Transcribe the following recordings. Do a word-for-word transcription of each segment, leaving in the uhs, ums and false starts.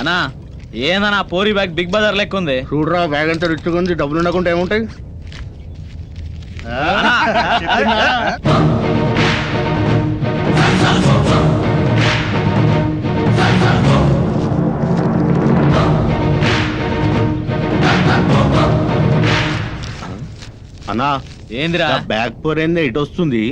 అన్నా ఏందన్నా పోరి బ్యాగ్ బిగ్ బజార్ లెక్క ఉంది. చూడరా బ్యాగ్ అంతా రిచ్గా ఉంది, డబ్బులు ఉండకుండా ఏముంటాయి. అన్నా ఏందిరా బ్యాగ్ పోరేందే ఇటు వస్తుంది.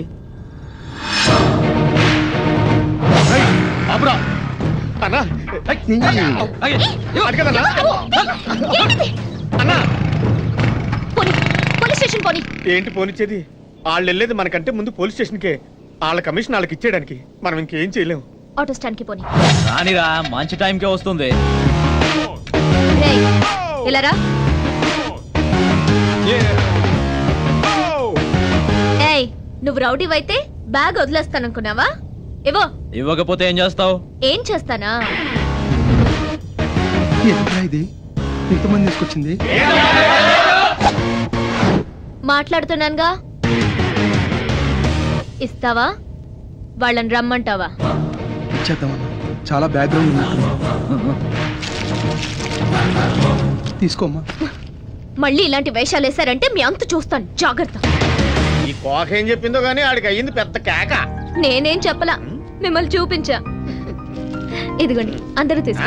ఏంటి పోనిచ్చేది? వాళ్ళు వెళ్ళేది మనకంటే ముందు పోలీస్ స్టేషన్కే. వాళ్ళ కమిషన్ వాళ్ళకి ఇచ్చేయడానికి మనం ఇంకేం చేయలేము. ఆటో స్టాండ్ కి పోనీ. రానిరా మంచి టైంకే వస్తుంది. ఇలా రా. ఏయ్ నువ్వు రౌడీవైతే బ్యాగ్ వదిలేస్తాననుకున్నావా? ఇవ్వో. ఇవ్వకపోతే ఏం చేస్తావు? ఏం చేస్తానా? ఇది ఇంతమంది తీసుకొచ్చింది. మాట్లాడుతున్నానుగా, ఇస్తావా వాళ్ళని రమ్మంటావా? ఇచ్చేద్దామన్నా, చాలా బ్యాక్గ్రౌండ్ తీసుకోమ్మా. మళ్ళీ ఇలాంటి వేషాలు వేశారంటే మీ అంత చూస్తాను, జాగ్రత్త. ఈ కోక ఏం చెప్పిందో గానీ ఆడికి అయ్యింది పెద్ద కేక. నేనేం చెప్పలా, మిమ్మల్ని చూపించా. ఇదిగోండి అందరూ తీసుకో.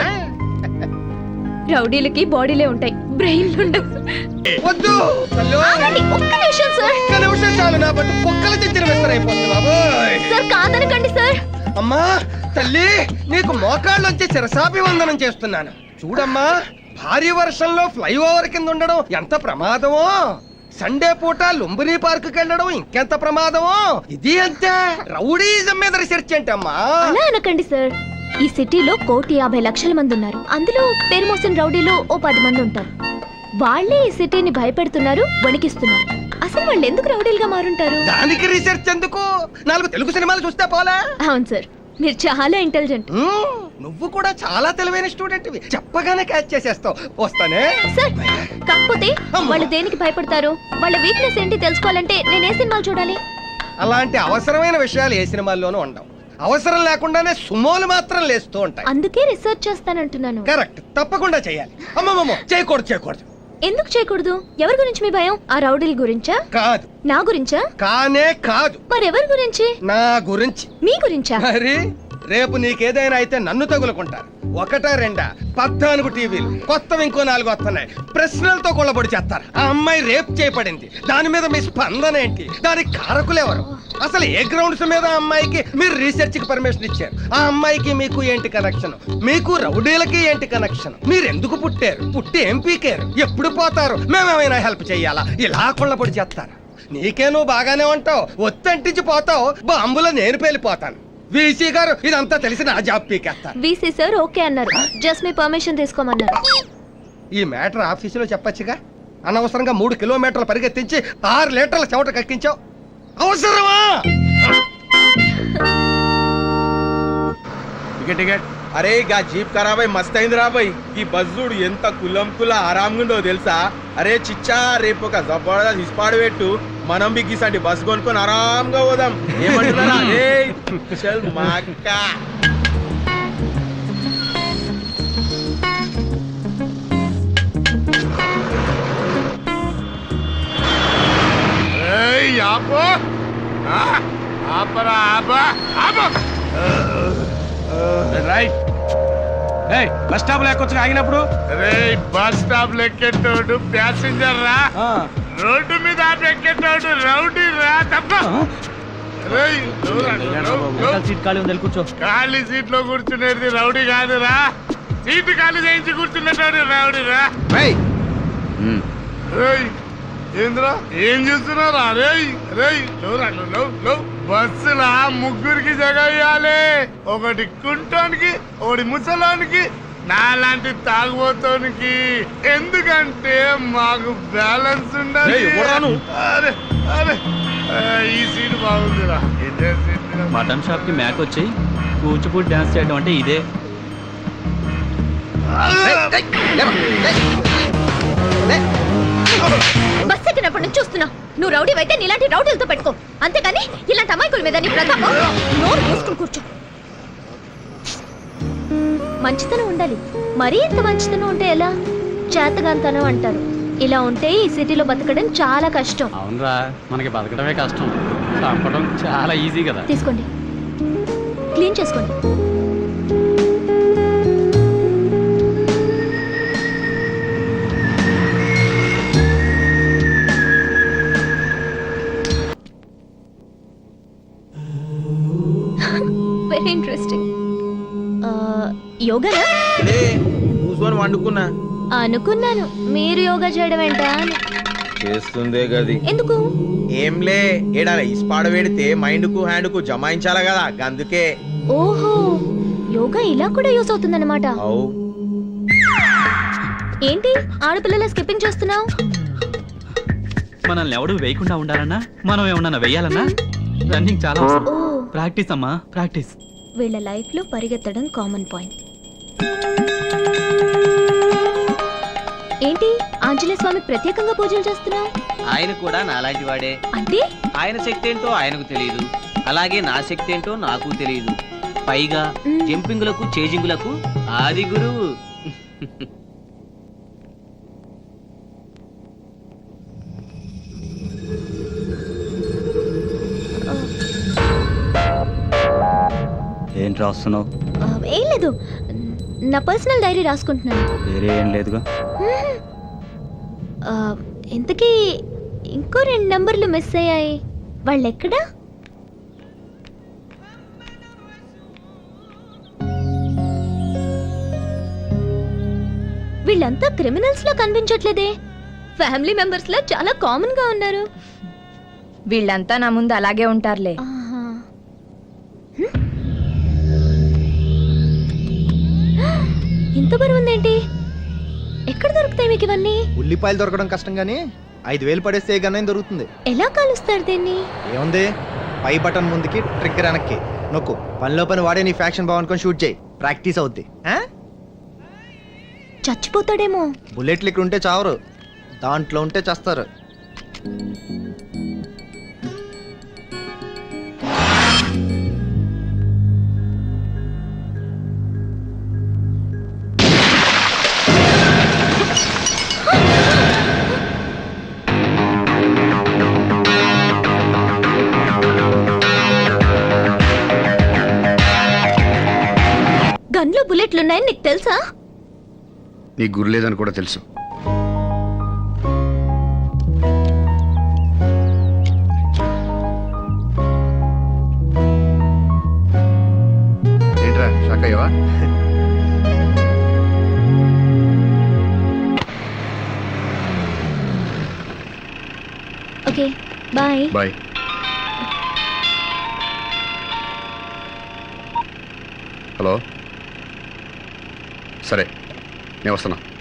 రౌడీలకి బాడీలే ఉంటాయి, బ్రెయిన్లు ఉండవు. వద్దు ఆగండి, ఒక్క నిమిషం సార్. ఒక్క నిమిషం చాలు, నా బట్టు పొక్కల చెందిన వేస్తారైపోతుంది బాబోయ్. సార్ కాదనకండి సార్. అమ్మా తల్లి, నీకు మోకాళ్ళొంచి శిరసాభివందనం చేస్తున్నాను. చూడమ్మా, భారీ వర్షంలో ఫ్లైఓవర్ కింద ఉండడం ఎంత ప్రమాదమో, సండే పూట లుంబిని పార్క్ వెళ్ళడం ఇంకెంత ప్రమాదమో. ఇది అంతే రౌడీజం మీద రీసెర్చ్ ఏంటమ్మా? అలా అనకండి సార్. ఈ సిటీలో కోటి యాభై లక్షల మంది ఉన్నారు. అందులో పేరు మోసిన రౌడీలు ఓ పది మంది ఉంటారు. వాళ్ళే ఈ సిటీని భయపెడుతున్నారు, వణికిస్తున్నారు. అసలు వాళ్ళు ఎందుకు రౌడీలుగా మారుంటారు? దానికి రీసెర్చ్ ఎందుకు? నాలుగు తెలుగు సినిమాలు చూస్తే పోలా? అవును సార్, మీరు చాలా ఇంటెలిజెంట్. నువ్వు కూడా చాలా తెలివైన స్టూడెంట్, చెప్పగానే క్యాచ్ చేసేస్తావు. వస్తానే సార్. కాకపోతే వాళ్ళు దేనికి భయపడతారు, వాళ్ళ వీక్నెస్ ఏంటి తెలుసుకోవాలంటే నేను ఏ సినిమాలు చూడాలి? అలాంటి అవసరమైన విషయాలు ఏ సినిమాల్లోనూ ఉండవు. అవసరం లేకుండానే సుమోలు మాత్రం లేస్తూ ఉంటాయి. అందుకే రీసెర్చ్ చేస్తానంటున్నాను. కరెక్ట్, తప్పకుండా చేయాలి. అమ్మమ్మమ్మ చేయకూడదు చేయకూడదు. ఎందుకు చేయకూడదు? ఎవరి గురించి మీ భయం? ఆ రౌడీల గురించా? కాదు. నా గురించా? కానే కాదు. మరెవరి గురించి? నా గురించి. మీ గురించా? మరి రేపు నీకేదైనా అయితే నన్ను తగులుకుంటారు. ఒకటా రెండా పద్నాలుగు టీవీలు కొత్తవి ఇంకో నాలుగు వస్తున్నాయి. ప్రశ్నలతో కొల్లబడి చేస్తారు. ఆ అమ్మాయి రేప్ చేయబడింది, దాని మీద మీ స్పందన ఏంటి? దానికి కారకులెవరు? అసలు ఏ గ్రౌండ్స్ మీద ఆ అమ్మాయికి మీరు రీసెర్చ్ కి పర్మిషన్ ఇచ్చారు? ఆ అమ్మాయికి మీకు ఏంటి కనెక్షన్? మీకు రౌడీలకి ఏంటి కనెక్షన్? మీరు ఎందుకు పుట్టారు? పుట్టి ఏం పీకారు? ఎప్పుడు పోతారు? మేమేమైనా హెల్ప్ చెయ్యాలా? ఇలా కొల్లబడి చేస్తారు. నీకే నువ్వు బాగానే ఉంటావు, ఒత్తంటించి పోతావు, బాంబులో నేను పేలిపోతాను. వీసీ గారు ఇదంతా తెలిసి నా జాబ్ పీకేస్తారు. వీసీ సార్ ఓకే అన్నారు, జస్ట్ మీ పర్మిషన్ తీసుకోమన్నారు. ఈ మ్యాటర్ ఆఫీసులో చెప్పొచ్చుగా. అనవసరంగా మూడు కిలోమీటర్లు పరిగెత్తించి ఆరు లీటర్ల చెమట కక్కించావు. అవసరమా? Ticket ticket. అరే గా జీప్ ఖరాబ్ అయి మస్త్ అయింది రా బాయ్. ఈ బస్సుడు ఎంత కులం కుల ఆరాంగుండో తెలుసా? అరే చిచ్చా, రేపు ఒక జబర్దస్త్ ఇస్పాడు పెట్టు, మనం బిగ్గిసండి బస్ కొనుక్కొని ఆరాంగా పోదాం. ఏమంటున్నారా? చల్ మాకా. బస్ స్టాప్ లెక్కొచ్చు ఆగినప్పుడు. బస్ స్టాప్ లెక్కేటోడు ప్యాసింజర్ రా, రోడ్డు మీద ఎక్కేటోడు రౌడీ రా. తప్ప సీట్ ఖాళీ ఉంది, కూర్చో. ఖాళీ సీట్ లో కూర్చునేది రౌడీ కాదురా, సీటు ఖాళీ చేయించి కూర్చునేటోడు రౌడీ రా. ఏంద్రా ఏం చూస్తున్నారా? రేయ్ రేయ్ బస్సులా ముగ్గురికి జగ ఇయ్యాలి. ఒకటి కుంటోనికి, ఒకటి ముసలానికి, నాలాంటి తాగుబోతోనికి. ఎందుకంటే మాకు బ్యాలెన్స్ ఉండాలి. అరే అరే ఈ సీట్ బాగుందిరా. ఇదే సీట్. మటన్ షాప్ కి మ్యాక్ వచ్చి కూచిపూడి డాన్స్ చేయడం అంటే ఇదే. బస్ ఎక్కినప్పటి నుంచి చూస్తున్నా, నువ్వు రౌడీ అయితే నీలాంటి రౌడీలతో పెట్టుకో, అంతేకాని ఇలాంటి అమాయకుల మీద నీ ప్రతాపం. నోరు మూసుకుని కూర్చో. మంచితనం ఉండాలి. మరీ ఇంత మంచితనం ఉంటే ఎలా? చేతగాంతనం అంటారు. ఇలా ఉంటే ఈ సిటీలో బతకడం చాలా కష్టం. అవునరా, మనకి బతకడమే కష్టం, చంపడం చాలా ఈజీ కదా. తీసుకోండి, క్లీన్ చేసుకోండి. Very interesting. యోగానా? లే కూర్చొని వండుకున్నా. అనుకున్నాను మీరు యోగా చేయడం ఏంటా అని. చేస్తుందే గది. ఎందుకు? ఏంలే, ఏడా ఇస్పాడ పెడితే మైండ్ కు హ్యాండ్ కు జమాయించాల కదా, అందుకే. ఓహో, యోగా ఇలా కూడా యూస్ అవుతుందన్నమాట. అవు. ఏంటి ఆడపిల్లల స్కిప్పింగ్ చేస్తున్నావు? మనల్ని ఎవడు వేయకుండా ఉండాలన్నా, మనం ఏమన్నా వెయ్యాలన్నా రన్నింగ్ చాలా అవసరం. ఓ, ప్రాక్టీస్ అమ్మా, ప్రాక్టీస్. వీళ్ళ లైఫ్ లో పరిగెత్తడం కామన్ పాయింట్. ఏంటి ఆంజనేయ స్వామికి ప్రత్యేకంగా పూజలు చేస్తున్నావు? ఆయన కూడా నాలాంటి వాడే. అంటే ఆయన శక్తి ఏంటో ఆయనకు తెలియదు, అలాగే నా శక్తి ఏంటో నాకు తెలియదు. పైగా మ్. జంపింగులకు చేజింగులకు ఆది గురువు. ఏంటి రాస్తున్నావు? ఆ, ఏం లేదు, నా పర్సనల్ డైరీ రాసుకుంటున్నాను. వేరే ఏం లేదుగా. మ్మ్. ఆ, ఇంతకీ ఇంకో రెండు నంబర్లు మిస్ అయ్యాయి, వాళ్ళు ఎక్కడా? వీళ్ళంతా క్రిమినల్స్ లా కనిపించట్లేదే, ఫ్యామిలీ మెంబర్స్ లా చాలా కామన్ గా ఉన్నారు. వీళ్ళంతా నా ముందు అలాగే ఉంటారులే. ఆహా. హ్మ్? ఇంత బరువు ఉందేంటి? ఎక్కడ దొరుకుతాయి మీకు ఇవన్నీ? ఉల్లిపాయలు దొరకడం కష్టం గానీ ఐదు వేలు పడేస్తే ఏ గన్నైనా దొరుకుతుంది. ఎలా కాలుస్తారు దీన్ని? ఏముంది, పై బటన్ ముందుకి ట్రిగ్గర్ వెనక్కి నొక్కు, పనిలో పని వాడే నీ ఫ్యాక్షన్ బాగునుకొని షూట్ చేయి, ప్రాక్టీస్ అవుద్ది. ఆ? చచ్చిపోతాడేమో. బుల్లెట్లు ఇక్కడ ఉంటే చావరు, దాంట్లో ఉంటే చేస్తారు. గన్లో బుల్లెట్లున్నాయని నీకు తెలుసా? నీకు గురి లేదని కూడా తెలుసు. ఏంట్రా షాక్ అయ్యవా? Okay bye. బాయ్. హలో, సరే నేను వస్తున్నా.